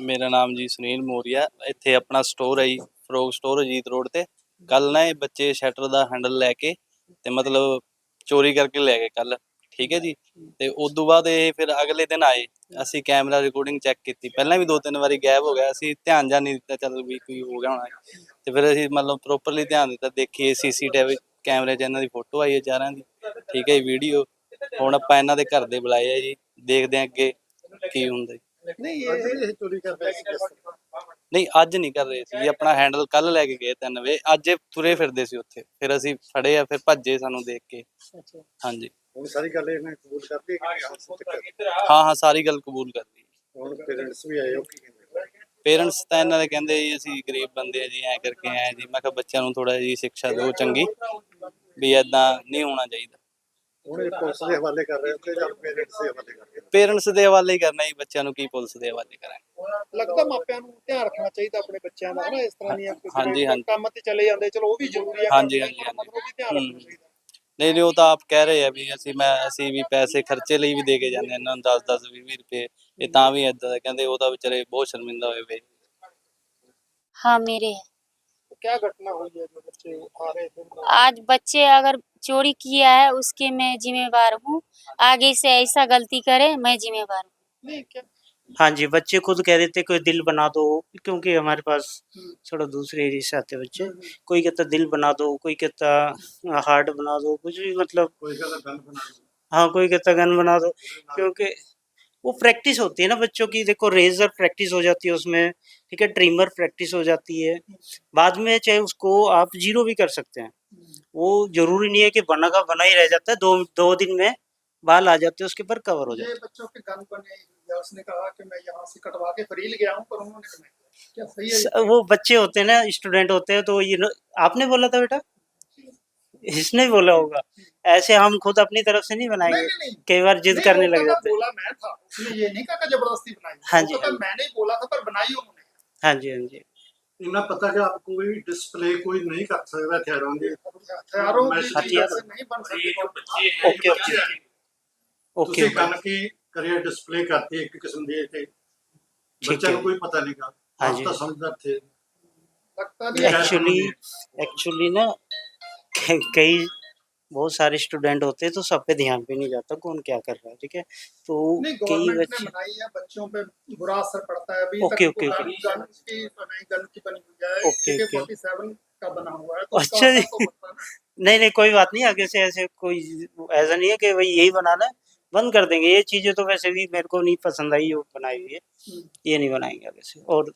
ਮੇਰਾ ਨਾਮ ਜੀ ਸੁਨੀਲ ਮੋਰੀਆ। ਇੱਥੇ ਆਪਣਾ ਸਟੋਰ ਹੈ ਜੀ, ਫਰੋਗ ਸਟੋਰ ਅਜੀਤ ਰੋਡ ਤੇ। ਕੱਲ ਨਾ ਇਹ ਬੱਚੇ ਸ਼ਟਰ ਦਾ ਹੈਂਡਲ ਲੈ ਕੇ ਤੇ ਮਤਲਬ ਚੋਰੀ ਕਰਕੇ ਲੈ ਗਏ ਕੱਲ, ਠੀਕ ਹੈ ਜੀ। ਤੇ ਉਦੋਂ ਬਾਅਦ ਇਹ ਫਿਰ ਅਗਲੇ ਦਿਨ ਆਏ, ਅਸੀਂ ਕੈਮਰਾ ਰਿਕਾਰਡਿੰਗ ਚੈੱਕ ਕੀਤੀ। ਪਹਿਲਾਂ ਵੀ 2-3 ਵਾਰੀ ਗਾਇਬ ਹੋ ਗਿਆ, ਅਸੀਂ ਧਿਆਨ ਜਾਂ ਨਹੀਂ ਦਿੱਤਾ, ਚੱਲ ਵੀ ਕੋਈ ਹੋ ਗਿਆ ਹੋਣਾ। ਤੇ ਫਿਰ ਅਸੀਂ ਮਤਲਬ ਪ੍ਰੋਪਰਲੀ ਧਿਆਨ ਦਿੱਤਾ, ਦੇਖੀਏ CCTV ਕੈਮਰੇ 'ਚ ਇਹਨਾਂ ਦੀ ਫੋਟੋ ਆਈ ਹੈ ਚਾਰਾਂ ਦੀ, ਠੀਕ ਹੈ ਜੀ, ਵੀਡੀਓ। ਹੁਣ ਆਪਾਂ ਇਹਨਾਂ ਦੇ ਘਰ ਦੇ ਬੁਲਾਏ ਆ ਜੀ, ਦੇਖਦੇ ਹਾਂ ਅੱਗੇ ਕੀ ਹੁੰਦਾ ਜੀ। ਨਹੀਂ ਇਹ ਚੋਰੀ ਕਰਦੇ ਸੀ ਨਹੀਂ ਅੱਜ ਨਹੀਂ ਕਰ ਰਹੇ ਸੀ ਜੀ, ਆਪਣਾ ਹੈਂਡਲ ਕੱਲ ਲੈ ਕੇ ਗਏ 3 ਵਜੇ, ਅੱਜ ਇਹ ਤੁਰੇ ਫਿਰਦੇ ਸੀ ਉੱਥੇ, ਫਿਰ ਅਸੀਂ ਫੜੇ ਆ, ਫਿਰ ਭੱਜੇ ਸਾਨੂੰ ਦੇਖ ਕੇ। ਅੱਛਾ ਹਾਂਜੀ ਹੁਣ ਸਾਰੀ ਗੱਲ ਇਹਨੇ ਕਬੂਲ ਕਰਤੀ ਕਿ ਹਾਂ ਸਾਰੀ ਗੱਲ ਕਬੂਲ ਕਰ ਲਈ। ਹੁਣ ਪੇਰੈਂਟਸ ਵੀ ਆਏ ਹੋ ਕੀ ਕਹਿੰਦੇ ਪੇਰੈਂਟਸ ਤਾਂ ਇਹਨਾਂ ਦੇ ਕਹਿੰਦੇ ਜੀ ਅਸੀਂ ਗਰੀਬ ਬੰਦੇ ਆ ਜੀ, ਐਂ ਕਰਕੇ ਆਏ ਜੀ। ਮੈਂ ਕਿਹਾ ਬੱਚਿਆਂ ਨੂੰ ਥੋੜਾ ਜਿਹੀ ਸਿੱਖਿਆ ਦਿਓ ਚੰਗੀ, ਵੀ ਏਦਾਂ ਨਹੀਂ ਹੋਣਾ ਚਾਹੀਦਾ। ਹੁਣ ਇਹ ਪੁਲਿਸ ਦੇ ਹਵਾਲੇ ਕਰ ਰਹੇ ਹੋ ਕਿ ਜਾਂ ਪੇਰੈਂਟਸ ਦੇ ਹਵਾਲੇ ਕਰ ਰਹੇ ਪੇਰੈਂਟਸ ਦੇ ਹਵਾਲੇ ਹੀ ਕਰਨਾ ਜੀ, ਬੱਚਿਆਂ ਨੂੰ ਕੀ ਪੁਲਿਸ ਦੇ ਹਵਾਲੇ ਕਰਾਂਗੇ। ਲੱਗਦਾ ਮਾਪਿਆਂ ਨੂੰ ਧਿਆਨ ਰੱਖਣਾ ਚਾਹੀਦਾ ਆਪਣੇ ਬੱਚਿਆਂ ਦਾ ਹਨਾ, ਇਸ ਤਰ੍ਹਾਂ ਦੀਆਂ ਹਾਂਜੀ, ਹਾਂਜੀ। ਕੰਮ ਤੇ ਚਲੇ ਜਾਂਦੇ, ਚਲੋ ਉਹ ਵੀ ਜ਼ਰੂਰੀ ਹੈ, ਹਾਂਜੀ, ਹਾਂਜੀ, ਹਾਂਜੀ। ਮਤਲਬ ਵੀ ਧਿਆਨ ਰੱਖਣਾ ਚਾਹੀਦਾ। ਨਹੀਂ ਨਹੀਂ ਉਹ ਤਾਂ ਆਪ ਕਹਿ ਰਹੇ ਆ ਵੀ ਅਸੀਂ ਵੀ ਪੈਸੇ ਖਰਚੇ ਲਈ ਵੀ ਦੇ ਕੇ ਜਾਂਦੇ ਇਹਨਾਂ ਨੂੰ 10-10 20 ਰੁਪਏ, ਇਹ ਤਾਂ ਵੀ ਏਦਾਂ ਦਾ ਕਹਿੰਦੇ, ਉਹ ਤਾਂ ਵਿਚਾਰੇ ਬਹੁਤ ਸ਼ਰਮਿੰਦਾ ਹੋਏ ਵੇ। हाँ मेरे है। तो क्या घटना हुई है जो बच्चे आ रहे थे? आज बच्चे अगर चोरी किया है उसके मैं जिम्मेवार हूँ। आगे से ऐसा गलती करे मैं जिम्मेवार हूँ। नहीं क्या हाँ जी, बच्चे खुद कह देते कोई दिल बना दो, क्योंकि हमारे पास थोड़ा दूसरे एरिया से आते बच्चे। कोई कहता दिल बना दो, कोई कहता हार्ट बना दो, कुछ भी मतलब। कोई का गन बना हाँ, कोई कहता गन बना दो, क्योंकि वो प्रैक्टिस होती है ना बच्चों की। देखो रेजर प्रैक्टिस हो जाती है उसमें, ठीक है, ट्रिमर प्रैक्टिस हो जाती है। बाद में चाहे उसको आप जीरो भी कर सकते हैं, वो जरूरी नहीं है कि बना का बना ही रह जाता है। दो दिन में बाल आ जाते हैं उसके ऊपर, कवर हो जाते ये बच्चों के गन बने या उसने कहा कि मैं यहाँ से कटवा के फरील गया हूँ, पर उन्होंने कहा क्या सही है? हैं। वो बच्चे होते हैं ना, स्टूडेंट होते हैं, तो ये आपने बोला था बेटा, इसने बोला होगा। ऐसे हम खुद अपनी तरफ से नहीं बनाएंगे, नहीं। कई बार जिद करने लग जाते हैं। बोला मैं था, उसने ये नहीं कहा कि जबरदस्ती बनाई। हाँ जी, तो हाँ जी। मैंने ही बोला था, पर बनाई उन्होंने। हाँ जी, हाँ जी। इन्हें पता कि आप कोई डिस्प्ले कोई नहीं कर सकता हथियारों की, हथियारों की हथियार से नहीं बन सकते। ओके ओके ओके ਤੁਸੀਂ ਗਨ ਕੀ ਕਰੀਏ डिस्प्ले करती एक किस्म ਦੀ ਤੇ ਬੱਚਿਆਂ ਨੂੰ ਕੋਈ ਪਤਾ ਨਹੀਂਗਾ। हाँ आप जी। तो समझदार थे। लगता नहीं है। एक्चुअली ना कई बहुत सारे स्टूडेंट होते हैं, तो सब पे ध्यान भी नहीं जाता कौन क्या कर रहा है, ठीक है। तो नहीं, कई गवर्नमेंट ने बच्चे बनाई है, बच्चों पे बुरा असर पड़ता है। अभी ओके, तक ओके, तो ओके। गन की बनी हुई है, ओके, ओके। AK-47 का बना हुआ है, तो उसका अच्छा जी। असर तो पड़ता है ना। नहीं नहीं कोई बात नहीं, आगे से ऐसे कोई ऐसा नहीं है कि भाई यही बनाना है, बंद कर देंगे। ये चीजें तो वैसे भी मेरे को नहीं पसंद आई जो बनाई हुई है, ये नहीं बनाएंगे आगे से। और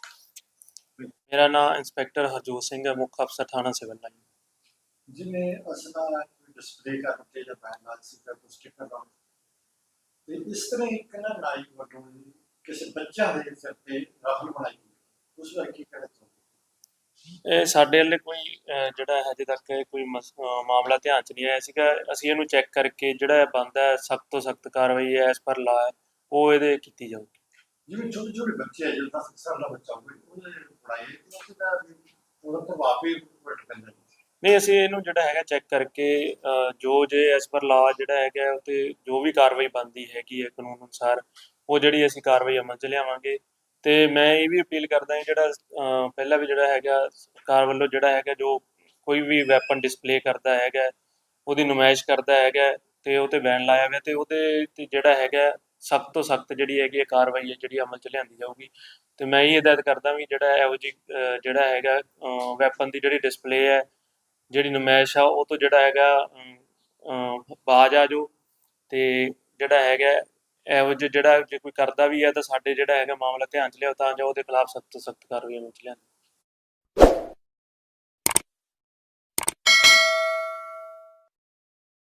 मेरा नाम इंस्पैक्टर हरजोत सिंह है, मुख्य अफसर थाना सिविल लाइन। जिन्हें असला कोई डिस्प्ले करते ਜਾਂ ਬੈਨ ਨਾਲ ਸੀ ਜਾਂ ਕੁਝ ਸਟicker ਲਾਉਣ ਤੇ ਇਸ ਤਰ੍ਹਾਂ ਇੱਕ ਨਾ ਨਾਈ ਵੱਲੋਂ ਕਿਸੇ ਬੱਚਾ ਦੇ ਸਿਰ ਤੇ ਰਾਹਲ ਬਣਾਈ ਉਸ ਬਾਰੇ ਕੀ ਕਹਿਣਾ ਚਾਹੁੰਦੇ? ਇਹ ਸਾਡੇ ਵੱਲੇ ਕੋਈ ਜਿਹੜਾ ਹਜੇ ਤੱਕ ਕੋਈ ਮਾਮਲਾ ਧਿਆਨ 'ਚ ਨਹੀਂ ਆਇਆ ਸੀਗਾ। ਅਸੀਂ ਇਹਨੂੰ ਚੈੱਕ ਕਰਕੇ ਜਿਹੜਾ ਬਣਦਾ ਸਖਤ ਤੋਂ ਸਖਤ ਕਾਰਵਾਈ ਐਸ ਪਰ ਲਾ ਉਹ ਇਹਦੇ ਕੀਤੀ ਜਾਊਗੀ। ਜਿਵੇਂ ਛੋਟੇ ਛੋਟੇ ਬੱਚੇ ਆ ਜਿਹੜਾ 10 ਸਾਲ ਦਾ ਬੱਚਾ ਹੋਵੇ ਉਹਨੇ ਪੜਾਈ ਉਹਦਾ ਤਾਂ ਵਾਪੀ ਵੱਟ ਪੈਂਦਾ। ਨਹੀਂ ਅਸੀਂ ਇਹਨੂੰ ਜਿਹੜਾ ਹੈਗਾ ਚੈੱਕ ਕਰਕੇ ਜੋ ਜੇ ਐਸ ਪਰ ਲਾ ਜਿਹੜਾ ਹੈਗਾ ਉਹ 'ਤੇ ਜੋ ਵੀ ਕਾਰਵਾਈ ਬਣਦੀ ਹੈਗੀ ਹੈ ਕਾਨੂੰਨ ਅਨੁਸਾਰ, ਉਹ ਜਿਹੜੀ ਅਸੀਂ ਕਾਰਵਾਈ ਅਮਲ 'ਚ ਲਿਆਵਾਂਗੇ। ਤੇ ਮੈਂ ਇਹ ਵੀ ਅਪੀਲ ਕਰਦਾ ਹਾਂ ਜਿਹੜਾ ਪਹਿਲਾਂ ਵੀ ਜਿਹੜਾ ਹੈਗਾ ਸਰਕਾਰ ਵੱਲੋਂ ਜਿਹੜਾ ਹੈਗਾ ਜੋ ਕੋਈ ਵੀ ਵੈਪਨ ਡਿਸਪਲੇ ਕਰਦਾ ਹੈਗਾ, ਉਹਦੀ ਨੁਮਾਇਸ਼ ਕਰਦਾ ਹੈਗਾ ਤੇ ਉਹ 'ਤੇ ਬੈਨ ਲਾਇਆ ਗਿਆ, ਤੇ ਉਹਦੇ 'ਤੇ ਜਿਹੜਾ ਹੈਗਾ ਸਖਤ ਤੋਂ ਸਖਤ ਜਿਹੜੀ ਹੈਗੀ ਕਾਰਵਾਈ ਹੈ ਜਿਹੜੀ ਅਮਲ 'ਚ ਲਿਆਂਦੀ ਜਾਊਗੀ। ਤੇ ਮੈਂ ਇਹ ਹਦਾਇਤ ਕਰਦਾ ਵੀ ਜਿਹੜਾ ਇਹੋ ਜਿਹੀ ਜਿਹੜਾ ਹੈਗਾ ਵੈਪਨ ਦੀ ਜਿਹੜੀ ਡਿਸਪਲੇ ਹੈ, ਜਿਹੜੀ ਨੁਮਾਇਸ਼ ਆ, ਉਹ ਤੋਂ ਜਿਹੜਾ ਹੈਗਾ ਬਾਜ਼ ਆ ਜਾਓ। ਤੇ ਜਿਹੜਾ ਹੈਗਾ ਇਹੋ ਜਿਹਾ ਜਿਹੜਾ ਜੇ ਕੋਈ ਕਰਦਾ ਵੀ ਹੈ ਤਾਂ ਸਾਡੇ ਜਿਹੜਾ ਹੈਗਾ ਮਾਮਲਾ ਧਿਆਨ 'ਚ ਲਿਆਓ ਤਾਂ ਜੋ ਉਹਦੇ ਖਿਲਾਫ ਸਖਤ ਤੋਂ ਸਖਤ ਕਾਰਵਾਈ ਅਮਲ 'ਚ ਲਿਆਂਦੀ।